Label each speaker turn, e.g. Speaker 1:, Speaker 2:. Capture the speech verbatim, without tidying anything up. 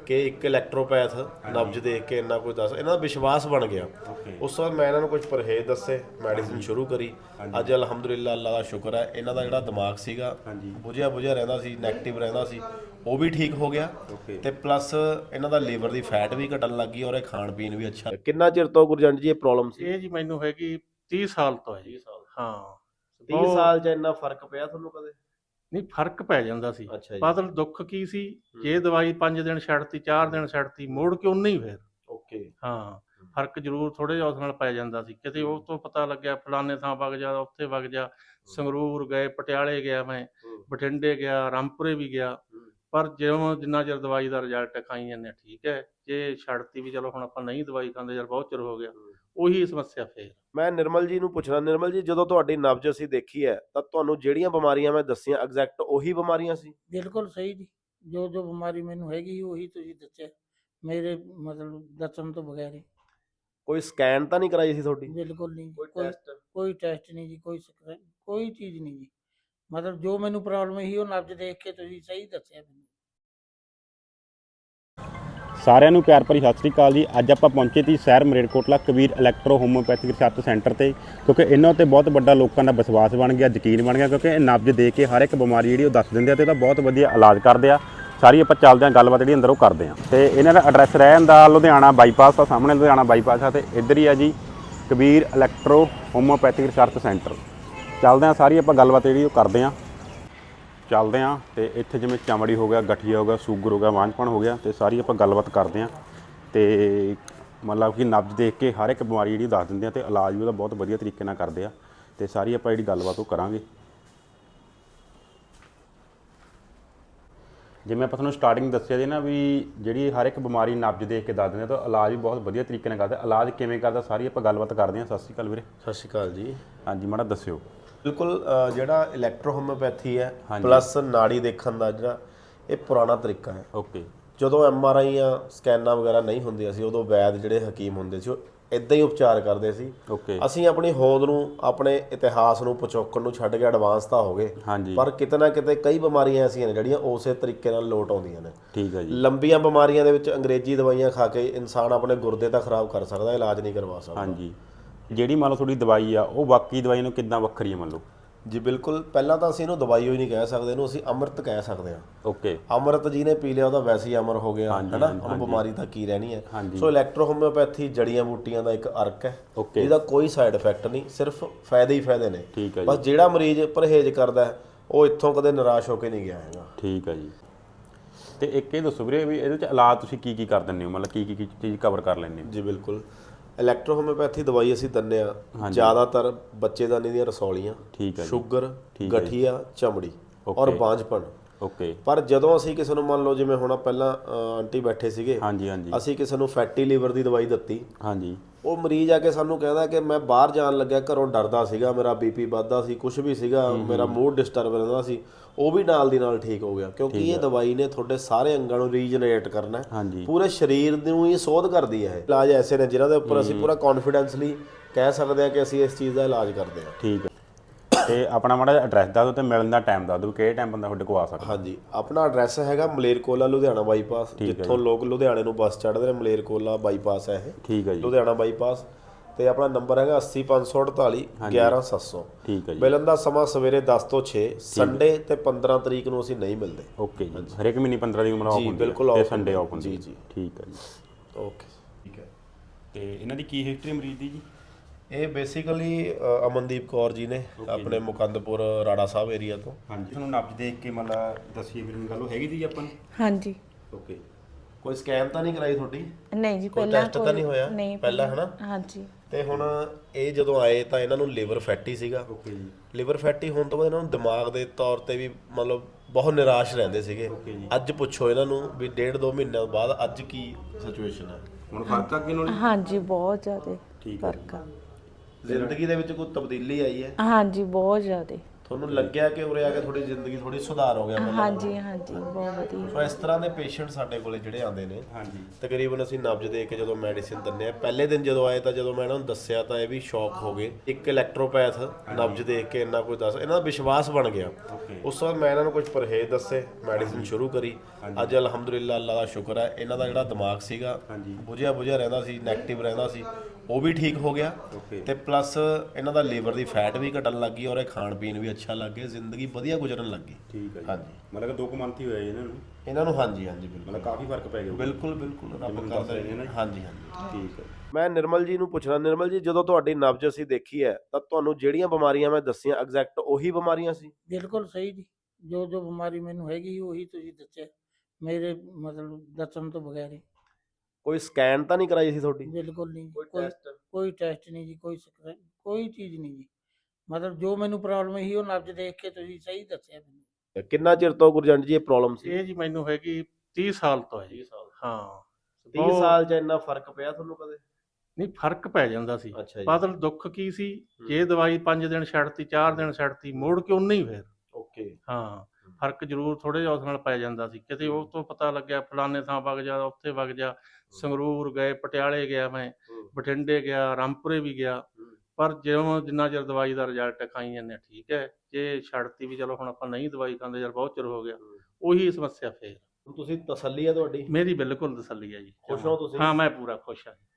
Speaker 1: ਕਿ ਇੱਕ ਇਲੈਕਟ੍ਰੋਪੈਥ ਨਬਜ਼ ਦੇਖ ਕੇ ਇੰਨਾ ਕੁਝ ਦੱਸ, ਇਹਨਾਂ ਦਾ ਵਿਸ਼ਵਾਸ ਬਣ ਗਿਆ। ਉਸ ਤੋਂ ਬਾਅਦ ਮੈਂ ਇਹਨਾਂ ਨੂੰ ਕੁਝ ਪਰਹੇਜ਼ ਦੱਸੇ, ਮੈਡੀਸਿਨ ਸ਼ੁਰੂ ਕਰੀ। ਅੱਜ ਅਲਹਮਦੁਲਿਲਾ ਅੱਲਾ ਦਾ ਸ਼ੁਕਰ ਹੈ, ਇਹਨਾਂ ਦਾ ਜਿਹੜਾ ਦਿਮਾਗ ਸੀਗਾ ਬੁਝਿਆ ਬੁਝਿਆ ਰਹਿੰਦਾ ਸੀ, ਨੈਗੇਟਿਵ ਰਹਿੰਦਾ ਸੀ, ਉਹ ਵੀ ਠੀਕ ਹੋ ਗਿਆ ਤੇ ਪਲੱਸ ਇਹਨਾਂ ਦਾ ਲੀਵਰ ਦੀ ਫੈਟ ਵੀ ਘਟਣ ਲੱਗ ਗਈ ਔਰ ਇਹ ਖਾਣ ਪੀਣ ਵੀ ਅੱਛਾ। ਕਿੰਨਾ ਚਿਰ ਤੋਂ ਗੁਰਜੰਟ ਜੀ ਇਹ ਪ੍ਰੋਬਲਮ ਸੀ?
Speaker 2: ਇਹ ਜੀ ਮੈਨੂੰ ਹੈਗੀ ਤੀਹ ਸਾਲ ਤੋਂ ਹੈ ਜੀ। ਹਾਂ
Speaker 1: ਤੀਹ ਸਾਲ 'ਚ ਇੰਨਾ ਫਰਕ ਪਿਆ ਤੁਹਾਨੂੰ ਕਦੇ?
Speaker 2: ਨਹੀਂ, ਫਰਕ ਪੈ ਜਾਂਦਾ ਸੀ।
Speaker 1: ਅੱਛਾ ਜੀ।
Speaker 2: ਮਤਲਬ ਦੁੱਖ ਕੀ ਸੀ, ਜੇ ਦਵਾਈ ਪੰਜ ਦਿਨ ਛੱਡਤੀ, ਚਾਰ ਦਿਨ ਛੱਡਤੀ, ਮੁੜ ਕੇ ਉਨਾ ਹੀ ਫਿਰ।
Speaker 1: ਓਕੇ।
Speaker 2: ਹਾਂ, ਫਰਕ ਜ਼ਰੂਰ ਥੋੜੇ ਜਿਹਾ ਉਸ ਨਾਲ ਪੈ ਜਾਂਦਾ ਸੀ। ਕਿਤੇ ਉਸ ਤੋਂ ਪਤਾ ਲੱਗਿਆ ਫਲਾਣੇ ਥਾਂ ਵਗ ਜਾ, ਉੱਥੇ ਵਗ ਜਾ, ਸੰਗਰੂਰ ਗਏ, ਪਟਿਆਲੇ ਗਿਆ, ਮੈਂ ਬਠਿੰਡੇ ਗਿਆ, ਰਾਮਪੁਰੇ ਵੀ ਗਿਆ, ਪਰ ਜਿਉਂ ਜਿੰਨਾ ਚਿਰ ਦਵਾਈ ਦਾ ਰਿਜ਼ਲਟ ਖਾਈ ਜਾਂਦੇ ਠੀਕ ਹੈ। ਜੇ ਛੱਡਤੀ ਵੀ ਚਲੋ ਹੁਣ ਆਪਾਂ ਨਹੀਂ ਦਵਾਈ ਖਾਂਦੇ, ਯਾਰ ਬਹੁਤ ਚਿਰ ਹੋ ਗਿਆ, ਉਹੀ ਸਮੱਸਿਆ ਫੇਰ।
Speaker 1: ਮੈਂ ਨਿਰਮਲ ਜੀ ਨੂੰ ਪੁੱਛਣਾ, ਨਿਰਮਲ ਜੀ ਜਦੋਂ ਤੁਹਾਡੀ ਨਬਜ਼ ਅਸੀਂ ਦੇਖੀ ਹੈ ਤਾਂ ਤੁਹਾਨੂੰ ਜਿਹੜੀਆਂ ਬਿਮਾਰੀਆਂ ਮੈਂ ਦੱਸੀਆਂ ਐਗਜ਼ੈਕਟ ਉਹੀ ਬਿਮਾਰੀਆਂ ਸੀ?
Speaker 3: ਬਿਲਕੁਲ ਸਹੀ ਜੀ, ਜੋ ਜੋ ਬਿਮਾਰੀ ਮੈਨੂੰ ਹੈਗੀ ਉਹੀ ਤੁਸੀਂ ਦੱਸਿਆ, ਮੇਰੇ ਮਤਲਬ ਦੱਸਣ ਤੋਂ ਬਗੈਰ ਹੀ।
Speaker 1: ਕੋਈ ਸਕੈਨ ਤਾਂ ਨਹੀਂ ਕਰਾਈ ਸੀ ਤੁਹਾਡੀ?
Speaker 3: ਬਿਲਕੁਲ ਨਹੀਂ,
Speaker 1: ਕੋਈ
Speaker 3: ਕੋਈ
Speaker 1: ਟੈਸਟ?
Speaker 3: ਕੋਈ ਟੈਸਟ ਨਹੀਂ ਜੀ, ਕੋਈ ਸਕੈ- ਕੋਈ ਚੀਜ਼ ਨਹੀਂ ਜੀ। ਮਤਲਬ ਜੋ ਮੈਨੂੰ ਪ੍ਰੋਬਲਮ ਸੀ ਉਹ ਨਬਜ਼ ਦੇਖ ਕੇ ਤੁਸੀਂ ਸਹੀ ਦੱਸਿਆ ਮੈਨੂੰ।
Speaker 4: ਸਾਰਿਆਂ ਨੂੰ ਪਿਆਰ ਭਰੀ ਸਤਿ ਸ੍ਰੀ ਅਕਾਲ ਜੀ। ਅੱਜ ਆਪਾਂ ਪਹੁੰਚੇ ਸੀ ਸ਼ਹਿਰ Malerkotla Kabir electro homoeopathic research centre ਤੇ, ਕਿਉਂਕਿ ਇਹਨਾਂ ਉੱਤੇ ਬਹੁਤ ਵੱਡਾ ਲੋਕਾਂ ਦਾ ਵਿਸ਼ਵਾਸ ਬਣ ਗਿਆ, ਯਕੀਨ ਬਣ ਗਿਆ, ਕਿਉਂਕਿ ਇਹ ਨਬਜ਼ ਦੇ ਕੇ ਹਰ ਇੱਕ ਬਿਮਾਰੀ ਜਿਹੜੀ ਉਹ ਦੱਸ ਦਿੰਦੇ ਆ ਤੇ ਉਹਦਾ ਬਹੁਤ ਵਧੀਆ ਇਲਾਜ ਕਰਦੇ ਆ। ਸਾਰੀ ਆਪਾਂ ਚੱਲਦੇ ਹਾਂ, ਗੱਲਬਾਤ ਜਿਹੜੀ ਅੰਦਰ ਉਹ ਕਰਦੇ ਹਾਂ। ਤੇ ਇਹਨਾਂ ਦਾ ਐਡਰੈਸ ਰਹਿਣ ਦਾ ਲੁਧਿਆਣਾ ਬਾਈਪਾਸ ਦਾ, ਸਾਹਮਣੇ ਲੁਧਿਆਣਾ ਬਾਈਪਾਸ ਆ ਤੇ ਇੱਧਰ ਹੀ ਆ ਜੀ Kabir electro homoeopathic research centre. ਚੱਲਦੇ ਹਾਂ, ਸਾਰੀ ਆਪਾਂ ਗੱਲਬਾਤ ਜਿਹੜੀ ਉਹ ਕਰਦੇ ਹਾਂ ਚੱਲਦੇ ਹਾਂ ਤੇ ਇੱਥੇ ਜਿਵੇਂ ਚਮੜੀ ਹੋ ਗਿਆ, ਗਠੀਆ ਹੋ ਗਿਆ, ਸ਼ੂਗਰ ਹੋ ਗਿਆ, ਵਾਂਝਪਣ ਹੋ ਗਿਆ, ਤੇ ਸਾਰੀ ਆਪਾਂ ਗੱਲਬਾਤ ਕਰਦੇ ਹਾਂ। ਤੇ ਮਤਲਬ ਕਿ ਨਬਜ਼ ਦੇਖ ਕੇ ਹਰ ਇੱਕ ਬਿਮਾਰੀ ਜਿਹੜੀ ਦੱਸ ਦਿੰਦੇ ਆ ਤੇ ਇਲਾਜ ਵੀ ਉਹਦਾ ਬਹੁਤ ਵਧੀਆ ਤਰੀਕੇ ਨਾਲ ਕਰਦੇ ਆ। ਤੇ ਸਾਰੀ ਆਪਾਂ ਜਿਹੜੀ ਗੱਲਬਾਤ ਉਹ ਕਰਾਂਗੇ। ਜਿਵੇਂ ਆਪਾਂ ਤੁਹਾਨੂੰ ਸਟਾਰਟਿੰਗ ਦੱਸਿਆ ਜੀ ਨਾ ਵੀ ਜਿਹੜੀ ਹਰ ਇੱਕ ਬਿਮਾਰੀ ਨਬਜ਼ ਦੇਖ ਕੇ ਦੱਸ ਦਿੰਦੇ ਆ ਤਾਂ ਇਲਾਜ ਵੀ ਬਹੁਤ ਵਧੀਆ ਤਰੀਕੇ ਨਾਲ ਕਰਦੇ। ਇਲਾਜ ਕਿਵੇਂ ਕਰਦਾ ਸਾਰੀ ਆਪਾਂ ਗੱਲਬਾਤ ਕਰਦੇ ਹਾਂ। ਸਤਿ ਸ਼੍ਰੀ ਅਕਾਲ ਵੀਰੇ।
Speaker 1: ਸਤਿ ਸ਼੍ਰੀ ਅਕਾਲ ਜੀ।
Speaker 4: ਹਾਂਜੀ, ਮਾੜਾ ਦੱਸਿਓ।
Speaker 1: ਬਿਲਕੁਲ, ਜਿਹੜਾ ਇਲੈਕਟ੍ਰੋ ਹੋਮਿਓਪੈਥੀ ਹੈ ਪਲੱਸ ਨਾੜੀ ਦੇਖਣ ਦਾ ਜਿਹੜਾ ਇਹ ਪੁਰਾਣਾ ਤਰੀਕਾ ਹੈ।
Speaker 4: ਓਕੇ।
Speaker 1: ਜਦੋਂ ਐਮ ਆਰ ਆਈਆਂ ਸਕੈਨਾਂ ਵਗੈਰਾ ਨਹੀਂ ਹੁੰਦੀਆਂ ਸੀ ਉਦੋਂ ਵੈਦ ਜਿਹੜੇ ਹਕੀਮ ਹੁੰਦੇ ਸੀ ਉਹ ਇੱਦਾਂ ਹੀ ਉਪਚਾਰ ਕਰਦੇ ਸੀ।
Speaker 4: ਓਕੇ।
Speaker 1: ਅਸੀਂ ਆਪਣੀ ਹੋਂਦ ਨੂੰ, ਆਪਣੇ ਇਤਿਹਾਸ ਨੂੰ, ਪਿਛੋਕੜ ਨੂੰ ਛੱਡ ਕੇ ਐਡਵਾਂਸ ਤਾਂ ਹੋ ਗਏ,
Speaker 4: ਹਾਂਜੀ, ਪਰ
Speaker 1: ਪਰ ਕਿਤੇ ਨਾ ਕਿਤੇ ਕਈ ਬਿਮਾਰੀਆਂ ਐਸੀਆਂ ਨੇ ਜਿਹੜੀਆਂ ਉਸੇ ਤਰੀਕੇ ਨਾਲ ਲੋਟ ਆਉਂਦੀਆਂ ਨੇ।
Speaker 4: ਠੀਕ ਹੈ ਜੀ।
Speaker 1: ਲੰਬੀਆਂ ਬਿਮਾਰੀਆਂ ਦੇ ਵਿੱਚ ਅੰਗਰੇਜ਼ੀ ਦਵਾਈਆਂ ਖਾ ਕੇ ਇਨਸਾਨ ਆਪਣੇ ਗੁਰਦੇ ਤਾਂ ਖਰਾਬ ਕਰ ਸਕਦਾ, ਇਲਾਜ ਨਹੀਂ ਕਰਵਾ ਸਕਦਾ।
Speaker 4: ਹਾਂਜੀ, ਜਿਹੜੀ ਮੰਨ ਲਓ ਤੁਹਾਡੀ ਦਵਾਈ ਆ ਉਹ ਬਾਕੀ ਦਵਾਈ ਨੂੰ ਕਿੱਦਾਂ ਵੱਖਰੀ ਹੈ ਮੰਨ ਲਓ?
Speaker 1: ਜੀ ਬਿਲਕੁਲ, ਪਹਿਲਾਂ ਤਾਂ ਅਸੀਂ ਇਹਨੂੰ ਦਵਾਈ ਹੋਈ ਨਹੀਂ ਕਹਿ ਸਕਦੇ, ਇਹਨੂੰ ਅਸੀਂ ਅੰਮ੍ਰਿਤ ਕਹਿ ਸਕਦੇ ਹਾਂ।
Speaker 4: ਓਕੇ।
Speaker 1: ਅੰਮ੍ਰਿਤ ਜਿਹਨੇ ਪੀ ਲਿਆ ਉਹਦਾ ਵੈਸੇ ਹੀ ਅਮਰ ਹੋ ਗਿਆ, ਹੈ ਨਾ, ਉਹਨੂੰ ਬਿਮਾਰੀ ਤਾਂ ਕੀ ਰਹਿਣੀ ਹੈ।
Speaker 4: ਹਾਂਜੀ।
Speaker 1: ਸੋ ਇਲੈਕਟ੍ਰੋ ਹੋਮਿਓਪੈਥੀ ਜੜੀਆਂ ਬੂਟੀਆਂ ਦਾ ਇੱਕ ਅਰਕ ਹੈ,
Speaker 4: ਓਕੇ,
Speaker 1: ਜਿਹਦਾ ਕੋਈ ਸਾਈਡ ਇਫੈਕਟ ਨਹੀਂ, ਸਿਰਫ ਫਾਇਦੇ ਹੀ ਫਾਇਦੇ ਨੇ।
Speaker 4: ਠੀਕ ਹੈ ਜੀ।
Speaker 1: ਬਸ ਜਿਹੜਾ ਮਰੀਜ਼ ਪਰਹੇਜ਼ ਕਰਦਾ ਹੈ ਉਹ ਇੱਥੋਂ ਕਦੇ ਨਿਰਾਸ਼ ਹੋ ਕੇ ਨਹੀਂ ਗਿਆ ਹੈਗਾ।
Speaker 4: ਠੀਕ ਹੈ ਜੀ। ਤੇ ਇੱਕ ਇਹ ਦੱਸੋ ਵੀਰੇ ਵੀ ਇਹਦੇ ਵਿੱਚ ਇਲਾਜ ਤੁਸੀਂ ਕੀ ਕੀ ਕਰ ਦਿੰਦੇ ਹੋ, ਮਤਲਬ ਕੀ ਕੀ ਕੀ ਚੀਜ਼ ਕਵਰ ਕਰ ਲੈਂਦੇ ਹੋ?
Speaker 1: ਜੀ ਬਿਲਕੁਲ, ਇਲੈਕਟ੍ਰੋ ਹੋਮਿਓਪੈਥੀ ਦਵਾਈ ਅਸੀਂ ਦਿੰਦੇ ਹਾਂ ਜ਼ਿਆਦਾਤਰ ਬੱਚੇਦਾਨੀ ਦੀਆਂ ਰਸੌਲੀਆਂ,
Speaker 4: ਠੀਕ ਹੈ ਜੀ,
Speaker 1: ਸ਼ੂਗਰ, ਗਠੀਆ, ਚਮੜੀ ਔਰ ਬਾਂਝਪਣ।
Speaker 4: ਓਕੇ।
Speaker 1: ਪਰ ਜਦੋਂ ਅਸੀਂ ਕਿਸੇ ਨੂੰ ਮੰਨ ਲਓ ਜਿਵੇਂ ਹੁਣ ਪਹਿਲਾਂ ਆਂਟੀ ਬੈਠੇ ਸੀਗੇ,
Speaker 4: ਹਾਂਜੀ ਹਾਂਜੀ,
Speaker 1: ਅਸੀਂ ਕਿਸੇ ਨੂੰ ਫੈਟੀ ਲੀਵਰ ਦੀ ਦਵਾਈ ਦਿੱਤੀ,
Speaker 4: ਹਾਂਜੀ,
Speaker 1: ਉਹ ਮਰੀਜ਼ ਆ ਕੇ ਸਾਨੂੰ ਕਹਿੰਦਾ ਕਿ ਮੈਂ ਬਾਹਰ ਜਾਣ ਲੱਗਿਆ ਘਰੋਂ ਡਰਦਾ ਸੀਗਾ, ਮੇਰਾ ਬੀਪੀ ਵੱਧਦਾ ਸੀ, ਕੁਝ ਵੀ ਸੀਗਾ, ਮੇਰਾ ਮੂਡ ਡਿਸਟਰਬ ਰਹਿੰਦਾ ਸੀ, ਉਹ ਵੀ ਨਾਲ ਦੀ ਨਾਲ ਠੀਕ ਹੋ ਗਿਆ। ਕਿਉਂਕਿ ਇਹ ਦਵਾਈ ਨੇ ਤੁਹਾਡੇ ਸਾਰੇ ਅੰਗਾਂ ਨੂੰ ਰੀਜਨਰੇਟ ਕਰਨਾ, ਪੂਰੇ ਸਰੀਰ ਨੂੰ ਹੀ ਸੋਧ ਕਰਦੀ ਹੈ। ਇਹ ਇਲਾਜ ਐਸੇ ਨੇ ਜਿਨ੍ਹਾਂ ਦੇ ਉੱਪਰ ਅਸੀਂ ਪੂਰਾ ਕੌਨਫੀਡੈਂਸਲੀ ਕਹਿ ਸਕਦੇ ਹਾਂ ਕਿ ਅਸੀਂ ਇਸ ਚੀਜ਼ ਦਾ ਇਲਾਜ ਕਰਦੇ ਹਾਂ।
Speaker 4: ਠੀਕ ਹੈ। ਤੇ ਆਪਣਾ ਮਾੜਾ ਐਡਰੈਸ ਦੱਸ ਦਿਓ ਤੇ ਮਿਲਣ ਦਾ ਟਾਈਮ ਦੱਸ ਦਿਓ, ਕਿਹੜੇ ਟਾਈਮ ਬੰਦਾ ਤੁਹਾਡੇ ਕੋਲ ਆ ਸਕਦਾ?
Speaker 1: ਹਾਂਜੀ, ਆਪਣਾ ਐਡਰੈਸ ਹੈਗਾ ਮਲੇਰਕੋਲਾ ਲੁਧਿਆਣਾ ਬਾਈਪਾਸ, ਜਿੱਥੋਂ ਲੋਕ ਲੁਧਿਆਣੇ ਨੂੰ ਬੱਸ ਚੜ੍ਹਦੇ ਨੇ, ਮਲੇਰਕੋਲਾ ਬਾਈਪਾਸ ਹੈ ਇਹ।
Speaker 4: ਠੀਕ ਹੈ ਜੀ।
Speaker 1: ਲੁਧਿਆਣਾ ਬਾਈਪਾਸ। ਤੇ ਆਪਣਾ ਨੰਬਰ ਹੈਗਾ ਅੱਸੀ ਪੰਜ ਸੌ ਅੜਤਾਲੀ ਗਿਆਰਾਂ ਸੱਤ ਸੌ।
Speaker 4: ਠੀਕ ਹੈ ਜੀ।
Speaker 1: ਮਿਲਣ ਦਾ ਸਮਾਂ ਸਵੇਰੇ ਦਸ ਤੋਂ ਛੇ, ਸੰਡੇ ਤੇ ਪੰਦਰਾਂ ਤਰੀਕ ਨੂੰ ਅਸੀਂ ਨਹੀਂ ਮਿਲਦੇ।
Speaker 4: ਓਕੇ ਜੀ। ਹਰੇਕ ਮਹੀਨੇ ਪੰਦਰਾਂ ਤਰੀਕ ਨੂੰ ਆਫ ਹੁੰਦੀ ਹੈ
Speaker 1: ਬਿਲਕੁਲ,
Speaker 4: ਤੇ ਸੰਡੇ ਆਫ ਹੁੰਦੀ
Speaker 1: ਜੀ
Speaker 4: ਹੈ।
Speaker 1: ਜੀ।
Speaker 4: ਠੀਕ ਹੈ ਜੀ।
Speaker 1: ਓਕੇ, ਠੀਕ ਹੈ।
Speaker 4: ਤੇ ਇਹਨਾਂ ਦੀ ਕੀ ਹਿਸਟਰੀ ਮਰੀਜ਼ ਦੀ ਜੀ?
Speaker 1: ਇਹ ਬੇਸਿਕਲੀ ਅਮਨਦੀਪ ਕੌਰ ਜੀ ਨੇ, ਆਪਣੇ ਮੁਕੰਦਪੁਰ ਰਾੜਾ ਸਾਹਿਬ ਏਰੀਆ ਤੋਂ।
Speaker 4: ਹਾਂਜੀ, ਤੁਹਾਨੂੰ ਨਬਜ਼ ਦੇਖ ਕੇ ਮਤਲਬ ਦੱਸੀਏ ਵੀਰ ਨੂੰ ਗੱਲ ਉਹ ਹੈਗੀ ਜੀ ਆਪਾਂ ਨੂੰ?
Speaker 5: ਹਾਂਜੀ।
Speaker 1: ਓਕੇ। ਕੋਈ ਸਕੈਨ ਤਾਂ ਨਹੀਂ ਕਰਾਈ ਤੁਹਾਡੀ?
Speaker 5: ਨਹੀਂ ਜੀ,
Speaker 1: ਕੋਈ
Speaker 5: ਪਹਿਲਾਂ
Speaker 1: ਟੈਸਟ ਤਾਂ ਨਹੀਂ ਹੋਇਆ
Speaker 5: ਨਹੀਂ
Speaker 1: ਪਹਿਲਾਂ, ਹੈ ਨਾ?
Speaker 5: ਹਾਂਜੀ।
Speaker 1: ਤੇ ਹੁਣ ਇਹ ਜਦੋਂ ਆਏ ਤਾਂ ਇਹਨਾਂ ਨੂੰ ਲਿਵਰ ਫੈਟੀ ਸੀਗਾ।
Speaker 4: ਓਕੇ ਜੀ।
Speaker 1: ਲਿਵਰ ਫੈਟੀ ਹੋਣ ਤੋਂ ਬਾਅਦ ਇਹਨਾਂ ਨੂੰ ਦਿਮਾਗ ਦੇ ਤੌਰ ਤੇ ਵੀ ਮਤਲਬ ਬਹੁਤ ਨਿਰਾਸ਼ ਰਹਿੰਦੇ ਸੀਗੇ। ਅੱਜ ਪੁੱਛੋ ਇਹਨਾਂ ਨੂੰ ਵੀ ਡੇਢ ਦੋ ਮਹੀਨਿਆਂ ਬਾਅਦ ਅੱਜ ਕੀ ਸਿਚੁਏਸ਼ਨ ਹੈ।
Speaker 4: ਹੁਣ ਫਰਕ ਆ ਕਿ ਨਾਲ?
Speaker 5: ਹਾਂਜੀ, ਬਹੁਤ ਜ਼ਿਆਦਾ
Speaker 4: ਠੀਕ ਹੈ।
Speaker 5: ਫਰਕ ਆ।
Speaker 1: ਜ਼ਿੰਦਗੀ ਦੇ ਵਿੱਚ ਕੋਈ ਤਬਦੀਲੀ ਆਈ ਹੈ?
Speaker 5: ਹਾਂਜੀ, ਬਹੁਤ ਜ਼ਿਆਦਾ।
Speaker 1: ਤੁਹਾਨੂੰ ਲੱਗਿਆ ਕਿ ਉਰੇ ਆ ਕੇ ਥੋੜੀ ਜ਼ਿੰਦਗੀ ਥੋੜੀ ਸੁਧਾਰ ਹੋ ਗਿਆ ਮਤਲਬ?
Speaker 5: ਹਾਂਜੀ ਹਾਂਜੀ ਬਹੁਤ ਵਧੀਆ।
Speaker 1: ਸੋ ਇਸ ਤਰ੍ਹਾਂ ਦੇ ਪੇਸ਼ੈਂਟ ਸਾਡੇ ਕੋਲੇ ਜਿਹੜੇ ਆਉਂਦੇ ਨੇ,
Speaker 4: ਹਾਂਜੀ
Speaker 1: ਤਕਰੀਬਨ ਅਸੀਂ ਨਬਜ਼ ਦੇ ਕੇ ਜਦੋਂ ਮੈਡੀਸਿਨ ਦਿੰਦੇ ਆ, ਪਹਿਲੇ ਦਿਨ ਜਦੋਂ ਆਏ ਤਾਂ ਜਦੋਂ ਮੈਂ ਇਹਨਾਂ ਨੂੰ ਦੱਸਿਆ ਤਾਂ ਇਹ ਵੀ ਸ਼ੌਕ ਹੋ ਗਏ। ਇੱਕ ਇਲੈਕਟ੍ਰੋਪੈਥ ਨਬਜ਼ ਦੇਖ ਕੇ ਇੰਨਾ ਕੁਝ ਦੱਸ, ਇਹਨਾਂ ਦਾ ਵਿਸ਼ਵਾਸ ਬਣ ਗਿਆ। ਉਸ ਤੋਂ ਬਾਅਦ ਮੈਂ ਇਹਨਾਂ ਨੂੰ ਕੁਝ ਪਰਹੇਜ਼ ਦੱਸੇ, ਮੈਡੀਸਿਨ ਸ਼ੁਰੂ ਕਰੀ। ਅੱਜ ਅਲਹਮਦੁਲਿਲਾ ਅੱਲਾ ਦਾ ਸ਼ੁਕਰ ਹੈ, ਇਹਨਾਂ ਦਾ ਜਿਹੜਾ ਦਿਮਾਗ ਸੀਗਾ ਬੁਝਿਆ ਬੁਝਿਆ ਰਹਿੰਦਾ ਸੀ, ਨੈਗੇਟਿਵ ਰਹਿੰਦਾ ਸੀ, ਉਹ ਵੀ ਠੀਕ ਹੋ ਗਿਆ। ਤੇ ਪਲੱਸ ਇਹਨਾਂ ਦਾ ਲੀਵਰ ਦੀ ਫੈਟ ਵੀ ਘਟਣ ਲੱਗ ਗਈ ਔਰ ਇਹ ਖਾਣ ਪੀਣ ਵੀ ਅੱਛਾ ਲੱਗ ਗਿਆ, ਜ਼ਿੰਦਗੀ ਵਧੀਆ ਗੁਜ਼ਰਨ ਲੱਗੀ।
Speaker 4: ਠੀਕ ਹੈ ਜੀ।
Speaker 1: ਹਾਂਜੀ
Speaker 4: ਮਤਲਬ ਕਿ ਦੋ ਕੁ ਮੰਥ ਹੀ ਹੋਏ ਇਹਨਾਂ ਨੂੰ,
Speaker 1: ਇਹਨਾਂ ਨੂੰ ਹਾਂਜੀ ਹਾਂਜੀ ਬਿਲਕੁਲ
Speaker 4: ਮਤਲਬ ਕਾਫੀ ਫਰਕ ਪੈ ਗਿਆ।
Speaker 1: ਬਿਲਕੁਲ ਬਿਲਕੁਲ ਰੱਬ ਕਰਦਾ ਹੈ। ਹਾਂਜੀ ਹਾਂਜੀ
Speaker 4: ਠੀਕ ਹੈ।
Speaker 1: ਮੈਂ ਨਿਰਮਲ ਜੀ ਨੂੰ ਪੁੱਛਣਾ, ਨਿਰਮਲ ਜੀ ਜਦੋਂ ਤੁਹਾਡੀ ਨਬਜ਼ ਅਸੀਂ ਦੇਖੀ ਹੈ ਤਾਂ ਤੁਹਾਨੂੰ ਜਿਹੜੀਆਂ ਬਿਮਾਰੀਆਂ ਮੈਂ ਦੱਸੀਆਂ ਐਗਜ਼ੈਕਟ ਉਹੀ ਬਿਮਾਰੀਆਂ ਸੀ?
Speaker 3: ਬਿਲਕੁਲ ਸਹੀ ਜੀ, ਜੋ ਜੋ ਬਿਮਾਰੀ ਮੈਨੂੰ ਹੈਗੀ ਉਹੀ ਤੁਸੀਂ ਦੱਸਿਆ, ਮੇਰੇ ਮਤਲਬ ਦੱਸਣ ਤੋਂ ਬਗੈਰ ਹੀ।
Speaker 1: ਕੋਈ ਸਕੈਨ ਤਾਂ ਨਹੀਂ ਕਰਾਈ ਸੀ ਤੁਹਾਡੀ?
Speaker 3: ਬਿਲਕੁਲ ਨਹੀਂ ਜੀ,
Speaker 1: ਕੋਈ
Speaker 3: ਕੋਈ
Speaker 1: ਟੈਸਟ?
Speaker 3: ਕੋਈ ਟੈਸਟ ਨਹੀਂ ਜੀ, ਕੋਈ ਸਕ੍ਰੈ- ਕੋਈ ਚੀਜ਼ ਨਹੀਂ ਜੀ। ਮਤਲਬ ਜੋ ਮੈਨੂੰ ਪ੍ਰੋਬਲਮ ਸੀ ਉਹ ਨਬਜ਼ ਦੇਖ ਕੇ ਤੁਸੀਂ ਸਹੀ ਦੱਸਿਆ ਮੈਨੂੰ।
Speaker 1: ਕਿੰਨਾ ਚਿਰ ਤੋਂ ਗੁਰਜੰਟ ਜੀ ਇਹ ਪ੍ਰੋਬਲਮ ਸੀ?
Speaker 2: ਇਹ ਜੀ ਮੈਨੂੰ ਹੈਗੀ ਤੀਹ ਸਾਲ ਤੋਂ ਹੈ ਜੀ।
Speaker 1: ਸਾਲ
Speaker 2: ਹਾਂ
Speaker 1: ਤੀਹ
Speaker 2: ਬਹੁਤ-
Speaker 1: ਸਾਲ ਚ ਇੰਨਾ ਫਰਕ ਪਿਆ ਤੁਹਾਨੂੰ ਕਦੇ?
Speaker 2: ਨਹੀਂ ਫਰਕ ਪੈ ਜਾਂਦਾ ਸੀ।
Speaker 1: ਅੱਛਾ ਜੀ।
Speaker 2: ਬਾਦਲ ਦੁੱਖ ਕੀ ਸੀ, ਜੇ ਦਵਾਈ ਪੰਜ ਦਿਨ ਛੱਡਤੀ, ਚਾਰ ਦਿਨ ਛੱਡਤੀ, ਮੋੜ ਕੇ ਉਨਾ ਹੀ ਫੇਰ।
Speaker 1: ਓਕੇ।
Speaker 2: ਹਾਂ ਫਰਕ ਜ਼ਰੂਰ ਥੋੜੇ ਜਿਹਾ ਉਸ ਨਾਲ ਪੈ ਜਾਂਦਾ ਸੀ। ਕਿਤੇ ਉਸ ਤੋਂ ਪਤਾ ਲੱਗਿਆ ਫਲਾਣੇ ਥਾਂ ਵਗ ਜਾ, ਉੱਥੇ ਵਗ ਜਾ, ਸੰਗਰੂਰ ਗਏ, ਪਟਿਆਲੇ ਗਿਆ, ਮੈਂ ਬਠਿੰਡੇ ਗਿਆ, ਰਾਮਪੁਰੇ ਵੀ ਗਿਆ। ਪਰ ਜਿਉਂ ਜਿੰਨਾ ਚਿਰ ਦਵਾਈ ਦਾ ਰਿਜ਼ਲਟ ਖਾਈ ਜਾਂਦੇ ਹਾਂ, ਠੀਕ ਹੈ। ਜੇ ਛੱਡਤੀ ਵੀ ਚਲੋ ਹੁਣ ਆਪਾਂ ਨਹੀਂ ਦਵਾਈ ਖਾਂਦੇ ਯਾਰ ਬਹੁਤ ਚਿਰ ਹੋ ਗਿਆ, ਉਹੀ ਸਮੱਸਿਆ ਫੇਰ।
Speaker 1: ਹੁਣ ਤੁਸੀਂ ਤਸੱਲੀ ਹੈ ਤੁਹਾਡੀ?
Speaker 2: ਮੇਰੀ ਬਿਲਕੁਲ ਤਸੱਲੀ ਹੈ ਜੀ।
Speaker 1: ਖੁਸ਼ ਹੋ ਤੁਸੀਂ?
Speaker 2: ਹਾਂ ਮੈਂ ਪੂਰਾ ਖੁਸ਼ ਹਾਂ।